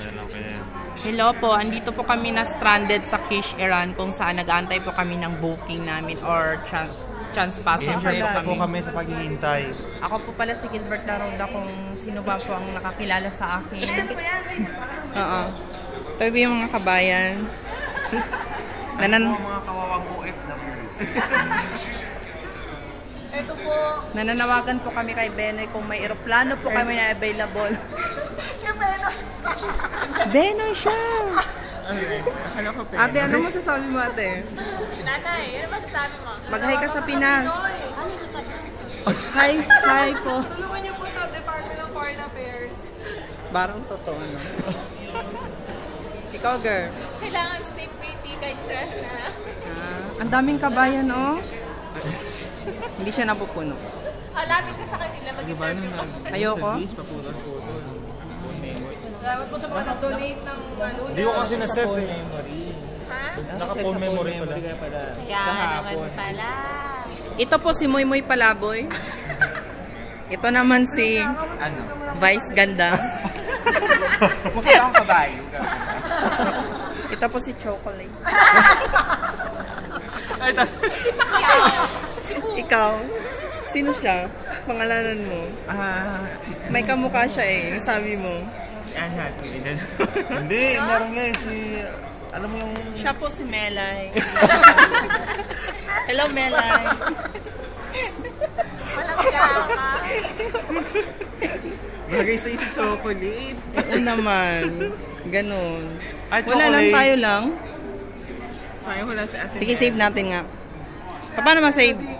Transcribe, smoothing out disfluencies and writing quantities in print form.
Hello po, andito po kami na stranded sa Kish, Iran kung saan nag-aantay po kami ng booking namin or chance passenger po kami sa paghihintay. Ako po pala si Gilbert Laroda kung sino ba po ang nakakilala sa akin. Oo. Ito yung mga kabayan. Mga kawawang OFW. Ito po. Nananawagan po kami kay Benoy kung may eroplano po kami na available. Benoy siya! Ate, ano masasabi mo, ate? Nanay, ano masasabi mo? Mag-hi ka sa Pinas. Ano sasabi mo? Hi po. Tulungan niyo po sa Department of Foreign Affairs. Barang totoo, ano? Ikaw, girl. Kailangan stay pretty kahit stress na. Ang daming kabayan, oh. Hindi siya napupuno. Lapit ka sa kanila, mag-interview ka. Ayoko. Salamat po sa mga nag-donate ng ano. Hindi ko kasi na-set eh. Ha? Naka-phone memory pala. Kaya naman pala. Ito po si Moy Moy Palaboy. Ito naman si Vice Ganda. Mukha akong kabayo. Ito po si Chocolate. Ay, tas... Ikaw, sino siya? Pangalanan mo. May kamukha siya eh, yung sabi mo. Si Anne Hathaway. Hindi, meron nga eh si... Alam mo yung... Siya po si Melay. Hello, Melay. Walang ka. Bagay sa isip chocolate. Oo naman. Ganon. Ay, Wala lang, chocolate. tayo lang. Kaya ko lang sa atin. Sige, save natin nga. Paano ma-save?